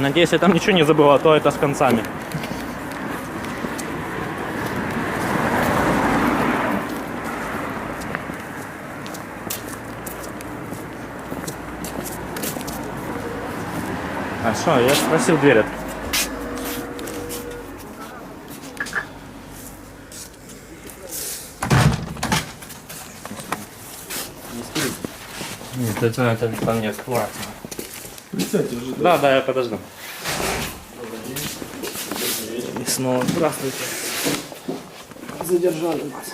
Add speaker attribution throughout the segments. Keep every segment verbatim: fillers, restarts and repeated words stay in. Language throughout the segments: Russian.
Speaker 1: Надеюсь, я там ничего не забыл, а то это с концами. А что, я спросил дверь. Нет, это, это там не открывается.
Speaker 2: Присядьте уже.
Speaker 1: Да, да, я подожду. И снова здравствуйте.
Speaker 2: Задержали вас.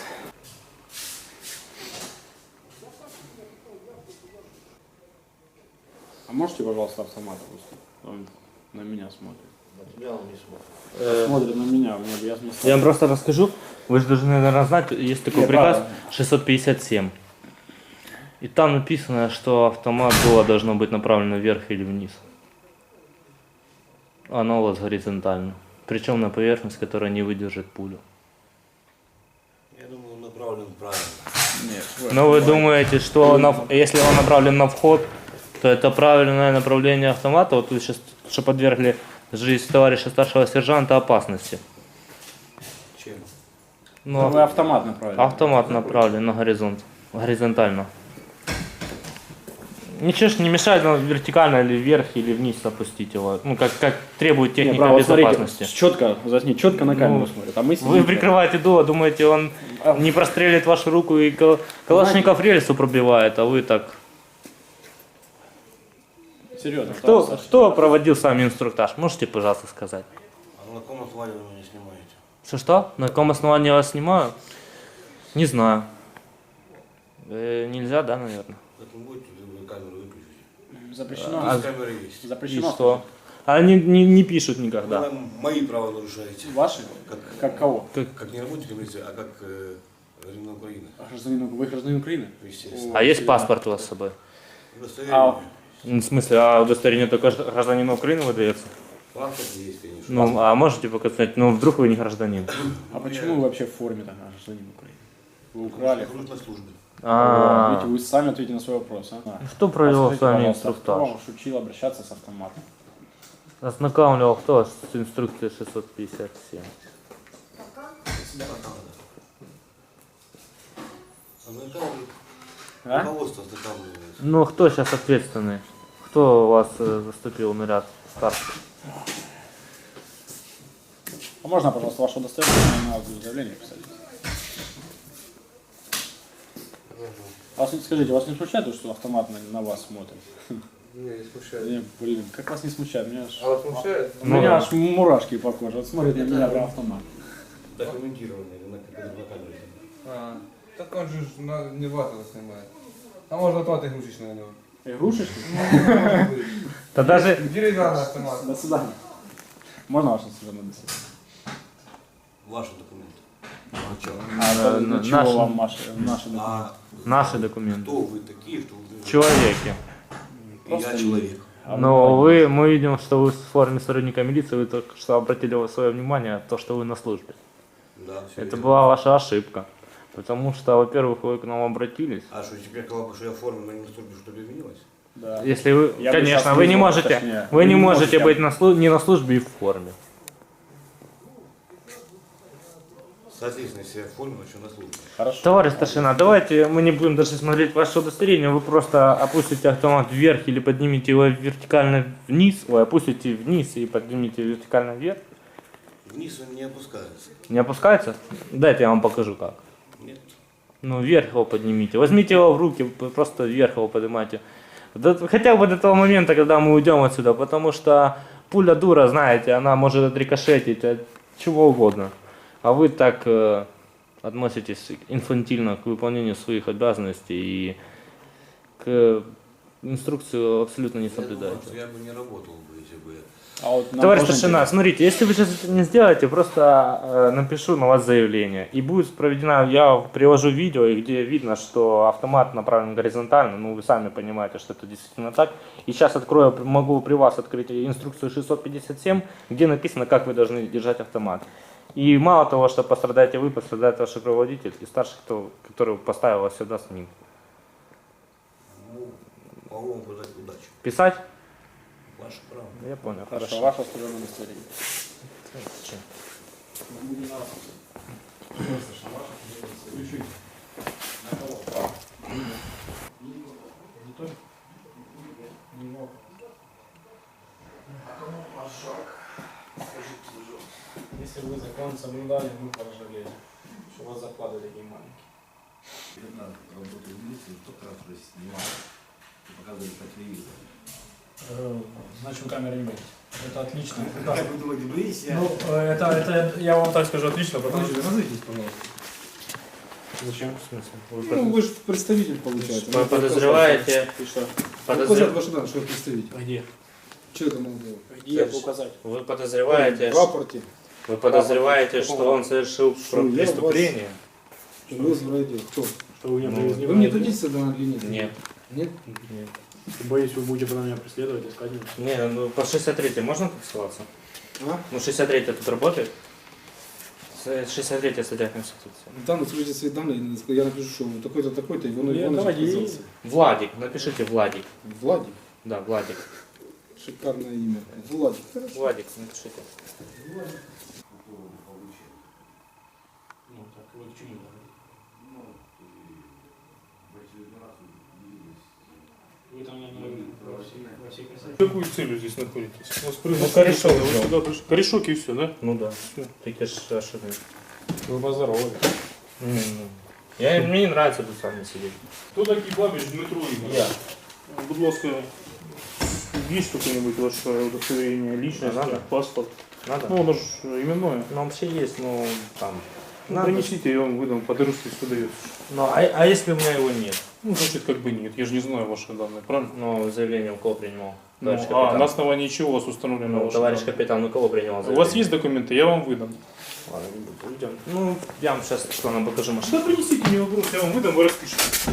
Speaker 2: А можете, пожалуйста, автомат опустить? Он на меня смотрит.
Speaker 3: На тебя он не смотрит.
Speaker 1: Э,
Speaker 2: Смотрит на меня, мне бы я смысл.
Speaker 1: Я вам просто расскажу. Вы же должны, наверное, знать, есть такой
Speaker 2: Не,
Speaker 1: приказ
Speaker 2: правильно.
Speaker 1: шестьсот пятьдесят семь. И там написано, что автомат дуло должно быть направлено вверх или вниз. Оно у вас горизонтально. Причем на поверхность, которая не выдержит пулю.
Speaker 3: Я думаю, он направлен правильно.
Speaker 2: Нет.
Speaker 1: Но вы думаете, что на, если он направлен на вход, то это правильное направление автомата? Вот вы сейчас что подвергли жизнь товарища старшего сержанта опасности.
Speaker 3: Чем?
Speaker 1: Но
Speaker 2: Вы автомат направили.
Speaker 1: автомат направлен на горизонт, горизонтально. Ничего ж не мешает нам вертикально или вверх, или вниз опустить его. Ну, как, как требует техника
Speaker 2: Не, право,
Speaker 1: безопасности.
Speaker 2: смотрите, четко, возьми, четко на камеру
Speaker 1: Ну,
Speaker 2: смотрит. А мы
Speaker 1: Вы прикрываете дуло, думаете, он не прострелит вашу руку и кал- Калашников рельсу пробивает, а вы так...
Speaker 2: Серьезно.
Speaker 1: Кто,
Speaker 2: товарищ Саша.
Speaker 1: кто проводил с вами инструктаж? Можете, пожалуйста, сказать?
Speaker 3: А на каком основании вы меня снимаете?
Speaker 1: Что-что? На каком основании я вас снимаю? Не знаю. Э, нельзя, да, наверное?
Speaker 3: Так не будете, вы камеру выключите.
Speaker 2: Запрещено.
Speaker 1: А-
Speaker 3: Здесь камеры есть.
Speaker 1: И
Speaker 2: Запрещено.
Speaker 1: что? Они не, не пишут никогда.
Speaker 3: Вы нам мои права нарушаете.
Speaker 2: Ваши?
Speaker 3: Как,
Speaker 2: Как кого?
Speaker 3: как не работника милиции, а как э, гражданина Украины.
Speaker 2: А гражданин, вы гражданин Украины?
Speaker 3: Естественно.
Speaker 1: А есть паспорт у вас с собой?
Speaker 3: Удостоверение.
Speaker 2: А,
Speaker 1: В смысле, а удостоверение только гражд- гражданину Украины выдается?
Speaker 3: Паспорт есть, конечно.
Speaker 1: Ну, а можете показать, ну, вдруг вы не гражданин?
Speaker 2: а почему вы вообще в форме тогда гражданин Украины? Вы украли.
Speaker 3: Служит на службе.
Speaker 1: А,
Speaker 2: Видите, вы сами ответите на свой вопрос. А?
Speaker 1: Что провел
Speaker 2: А
Speaker 1: с вами
Speaker 2: скажите, пожалуйста, Кто
Speaker 1: инструктаж?
Speaker 2: вам учил обращаться с автоматом?
Speaker 1: Ознакомливал кто с инструкцией шестьсот пятьдесят семь?
Speaker 3: Ознакомливает.
Speaker 2: А?
Speaker 3: Руководство ознакомливает.
Speaker 1: Ну, кто сейчас ответственный? Кто у вас э, заступил на ряд старших?
Speaker 2: А можно, пожалуйста, ваше удостоверение на заявление писать? А вас, не- скажите, вас не смущает то, что автомат на, на вас смотрит?
Speaker 4: Не, не смущает.
Speaker 2: Не, блин, как вас не смущает? Меня аж,
Speaker 4: А вас смущает?
Speaker 2: у меня аж мурашки по коже. Вот смотрит на меня прям автомат.
Speaker 3: Документированный на, на, на камере.
Speaker 4: А, так он же ж на, не вас это снимает. А можно тот игрушечный на него.
Speaker 2: Игрушечки?
Speaker 1: Да даже...
Speaker 4: Деревянный автомат.
Speaker 2: До свидания. Можно ваше служебное досье?
Speaker 3: Ваши документы.
Speaker 2: А
Speaker 1: Э,
Speaker 2: для
Speaker 1: на-
Speaker 2: чего
Speaker 1: наши-
Speaker 2: вам наши, наши документы?
Speaker 3: А
Speaker 1: Наши документы.
Speaker 3: кто вы такие, что вы...
Speaker 1: Человеки.
Speaker 3: И я человек.
Speaker 2: А
Speaker 1: Но вы, мы видим, что вы в форме сотрудника милиции, вы только что обратили свое внимание на то, что вы на службе.
Speaker 3: Да, все
Speaker 1: Это
Speaker 3: верно.
Speaker 1: была ваша ошибка. Потому что, во-первых, вы к нам обратились.
Speaker 3: А что, теперь сказал, что я в форме, но не на службе, что ли, изменилось?
Speaker 2: Да.
Speaker 1: Если вы,
Speaker 2: Я бы
Speaker 1: конечно,
Speaker 2: сейчас
Speaker 1: вы не
Speaker 2: вызвал,
Speaker 1: можете,
Speaker 2: точнее.
Speaker 1: вы не можете быть на слу- не на службе и в форме.
Speaker 3: Соответственно, если я в форме, но еще на службе.
Speaker 2: Хорошо.
Speaker 1: Товарищ старшина, давайте мы не будем даже смотреть ваше удостоверение, вы просто опустите автомат вверх или поднимите его вертикально вниз, ой, опустите вниз и поднимите вертикально вверх.
Speaker 3: Вниз он не опускается.
Speaker 1: Не опускается? Дайте я вам покажу как.
Speaker 3: Нет.
Speaker 1: Ну, вверх его поднимите. Возьмите его в руки, п- просто вверх его поднимайте. До- хотя бы до того момента, когда мы уйдем отсюда, потому что пуля дура, знаете, она может отрикошетить от чего угодно. А вы так э, относитесь инфантильно к выполнению своих обязанностей и к инструкцию абсолютно не
Speaker 3: Я думаю,
Speaker 1: соблюдаете.
Speaker 3: что я бы не работал бы, если бы...
Speaker 2: А вот нам
Speaker 1: Товарищ
Speaker 2: тоже
Speaker 1: старшина,
Speaker 2: интересно.
Speaker 1: смотрите, если вы сейчас это не сделаете, просто э, напишу на вас заявление. И будет проведена, я приложу видео, и где видно, что автомат направлен горизонтально. Ну, вы сами понимаете, что это действительно так. И сейчас открою, могу при вас открыть инструкцию шестьсот пятьдесят семь, где написано, как вы должны держать автомат. И мало того, что пострадаете вы, пострадает ваш руководитель и старший, кто, который поставил вас сюда с ним.
Speaker 3: Ну, могу вам пожелать удачи.
Speaker 1: Писать?
Speaker 3: Ваше право.
Speaker 1: Я понял,
Speaker 2: Хорошо,
Speaker 1: хорошо.
Speaker 2: ваше служебное удостоверение.
Speaker 1: Зачем?
Speaker 2: Если вы закон соблюдали, мы поржавели. Что у вас зарплаты такие маленькие.
Speaker 3: Когда работаю в милиции, только раз уже снимал. Показывали по телевизору.
Speaker 2: Э, Значит, вы камеры не боитесь. Это отлично.
Speaker 3: Как вы думаете, боитесь? Я...
Speaker 2: Ну, э, это, это, я вам так скажу, отлично, потому что назовитесь, пожалуйста.
Speaker 1: Зачем? В смысле? Вы
Speaker 2: Ну, вы же представитель, получается.
Speaker 1: Вы подозреваете-
Speaker 2: И что?
Speaker 1: Подозрев-
Speaker 2: Указать ваши данные, что вы представитель.
Speaker 1: Где?
Speaker 2: Что это надо делать? Где
Speaker 1: Дальше.
Speaker 2: указать?
Speaker 1: Вы подозреваете,
Speaker 2: В
Speaker 1: ш-
Speaker 2: рапорте.
Speaker 1: вы подозреваете,
Speaker 2: Рапорт.
Speaker 1: что он совершил
Speaker 2: Что я
Speaker 1: преступление?
Speaker 2: Вызвал отдел. Кто?
Speaker 5: Что вы меня
Speaker 1: Ну,
Speaker 5: привезли?
Speaker 2: Вы мне дадите сюда или нет?
Speaker 1: Нет.
Speaker 2: Нет?
Speaker 1: Нет.
Speaker 5: Боюсь, вы будете потом меня преследовать, искать меня.
Speaker 1: Не, ну по шестьдесят третьей можно тут ссылаться?
Speaker 2: А?
Speaker 1: Ну шестьдесят третья тут работает? С- шестьдесят третья статья Конституции.
Speaker 2: Там скажите свои данные, я напишу, что такой-то, такой-то, Иван
Speaker 5: Нет,
Speaker 2: Иванович
Speaker 5: давайте.
Speaker 2: отказался.
Speaker 1: Владик, напишите Владик.
Speaker 2: Владик.
Speaker 1: Да, Владик.
Speaker 2: Шикарное имя. Владик. Хорошо.
Speaker 1: Владик, напишите.
Speaker 5: Ну, так, вы к чему говорите? Вы там, наверное, во всей, во всей красоте.
Speaker 6: Какую целью здесь находитесь? У вас
Speaker 1: Ну,
Speaker 6: произошло-
Speaker 1: корешок
Speaker 6: вы
Speaker 1: взял.
Speaker 6: сюда пришли. Корешок и все, да?
Speaker 1: Ну да. Такие ж ошибки.
Speaker 2: Вы поздоровались.
Speaker 1: М, ну. Я, мне не нравится тут с вами сидеть.
Speaker 6: Хто такий Бабич Дмитро Ігорович?
Speaker 1: Я.
Speaker 6: Будь ласка, є какое-нибудь ваше удостоверение, личность,
Speaker 1: Надо.
Speaker 6: паспорт?
Speaker 1: Надо?
Speaker 6: Ну, оно же именное.
Speaker 1: Ну вообще есть, но там.
Speaker 6: Ну,
Speaker 1: Надо.
Speaker 6: принесите, я вам выдам, по дырству дается.
Speaker 1: Ну, а, а если у меня его нет?
Speaker 6: Ну, значит, как бы нет, я же не знаю ваши данные, правильно?
Speaker 1: Ну, заявление у кого принимал?
Speaker 6: Ну,
Speaker 1: Товарищ
Speaker 6: а
Speaker 1: капитан.
Speaker 6: на основании чего у вас установлено
Speaker 1: Ну,
Speaker 6: ваши
Speaker 1: товарищ
Speaker 6: данные?
Speaker 1: капитан, у кого принимал
Speaker 6: У
Speaker 1: заявление?
Speaker 6: вас есть документы, я вам выдам.
Speaker 1: Ладно, идем. Ну, я вам сейчас что нам покажу машину.
Speaker 6: Да принесите, не вопрос, я вам выдам, вы распишите.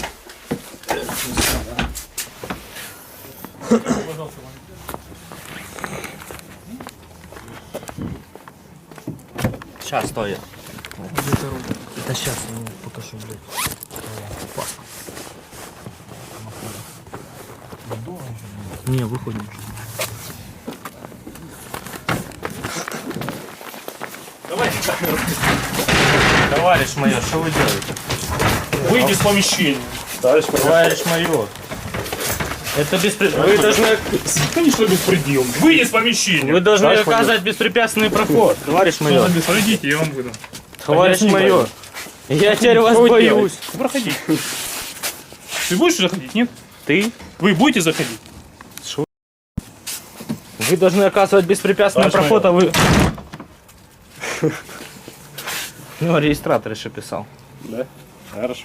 Speaker 1: Сейчас, стой. Это сейчас, ну, покажу, блядь. Не, выходим.
Speaker 6: Давайте камеру.
Speaker 1: Товарищ майор, что вы делаете?
Speaker 6: Выйди из помещения.
Speaker 1: Товарищ майор. Это беспредел. Вы должны,
Speaker 6: Конечно, беспредел. Выйди из помещения.
Speaker 1: вы должны
Speaker 6: Товарищ майор.
Speaker 1: оказывать беспрепятственный проход. Товарищ майор.
Speaker 6: Пройдите, я вам выдам.
Speaker 1: Товарищ
Speaker 6: Объясни,
Speaker 1: майор. Я теперь вас
Speaker 6: Что вы
Speaker 1: боюсь.
Speaker 6: делаете? Проходи. Ты будешь заходить? Нет?
Speaker 1: Ты?
Speaker 6: Вы будете заходить?
Speaker 1: Вы должны оказывать беспрепятственный
Speaker 6: Товарищ
Speaker 1: проход, а вы... Ну, регистратор еще писал.
Speaker 2: Да? Хорошо.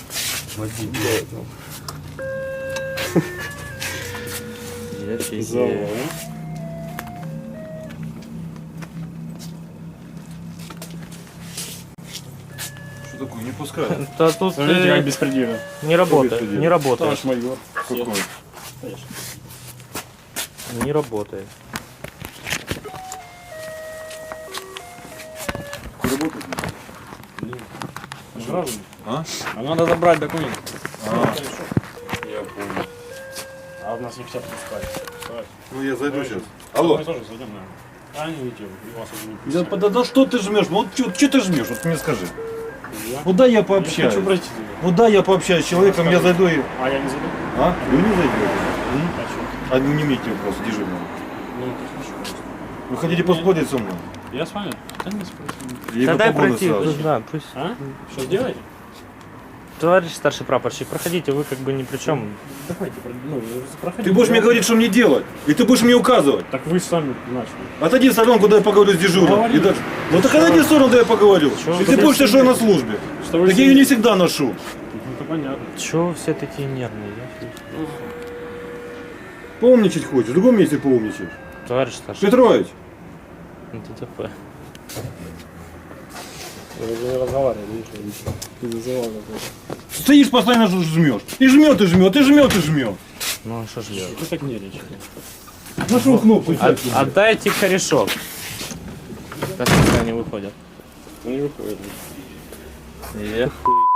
Speaker 3: Что такое? Не пускают.
Speaker 1: Да тут
Speaker 2: Смотрите,
Speaker 1: э,
Speaker 2: как беспредельно.
Speaker 1: не работает,
Speaker 3: беспредел?
Speaker 1: не работает,
Speaker 2: Товарищ майор.
Speaker 3: Какой?
Speaker 1: не работает.
Speaker 3: Работает?
Speaker 2: Граждане.
Speaker 3: А?
Speaker 2: А надо забрать документы.
Speaker 3: А, я понял.
Speaker 2: А у нас не хотят пускать. Вставайте.
Speaker 3: Ну я зайду сейчас. Алло.
Speaker 2: Мы тоже зайдем, наверное. А не уйти, у вас уже не
Speaker 3: Да,
Speaker 2: пускают.
Speaker 3: да, да что ты жмешь? Вот что ты жмешь? Вот мне скажи.
Speaker 2: Я?
Speaker 3: Куда я
Speaker 2: Я
Speaker 3: пообщаюсь?
Speaker 2: хочу пройти туда.
Speaker 3: Куда я пообщаюсь с человеком, я зайду и...
Speaker 2: А я не зайду?
Speaker 3: А? Вы не зайдете?
Speaker 2: А что?
Speaker 3: А ну не имейте вопроса, дежурного.
Speaker 2: Ну, это хорошо.
Speaker 3: Вы хотите поспорить со мной?
Speaker 2: Я с вами? Да не спросим.
Speaker 3: Или
Speaker 1: Да
Speaker 3: вы
Speaker 1: дай
Speaker 3: погоны
Speaker 1: пройти,
Speaker 3: сразу?
Speaker 1: пусть, да, пусть.
Speaker 2: А? Что сделаете?
Speaker 1: Товарищ старший прапорщик, проходите, вы как бы ни при чем.
Speaker 2: Давайте, ну, проходите.
Speaker 3: Ты будешь мне говорить, что мне делать, и ты будешь мне указывать.
Speaker 2: Так вы сами начали.
Speaker 3: Отойди в сторону, куда я поговорю с дежурным.
Speaker 2: Говори.
Speaker 3: И дальше. Ну так отойди в сторону, куда я поговорю.
Speaker 1: Чё
Speaker 3: И
Speaker 1: вы
Speaker 3: ты будешь что я на службе.
Speaker 2: Что вы
Speaker 3: Так я ее не всегда ношу.
Speaker 2: Ну, это понятно.
Speaker 1: Чего вы все такие нервные? Я фиг.
Speaker 3: Поумничать хочешь, в другом месте поумничаешь.
Speaker 1: Товарищ старший,
Speaker 3: Петрович,
Speaker 1: ДТП.
Speaker 2: Вы же не разговаривали, видишь, ты зазывал какой-то.
Speaker 3: стоишь постоянно жмешь. И жмет, и жмет, и жмет, и жмет.
Speaker 1: Ну, а что ж делать?
Speaker 2: Вы так нервничаете.
Speaker 3: Нашел кнопку.
Speaker 1: От- отдайте корешок. Как они выходят?
Speaker 2: Ну не выходит.
Speaker 1: Эх, хуй.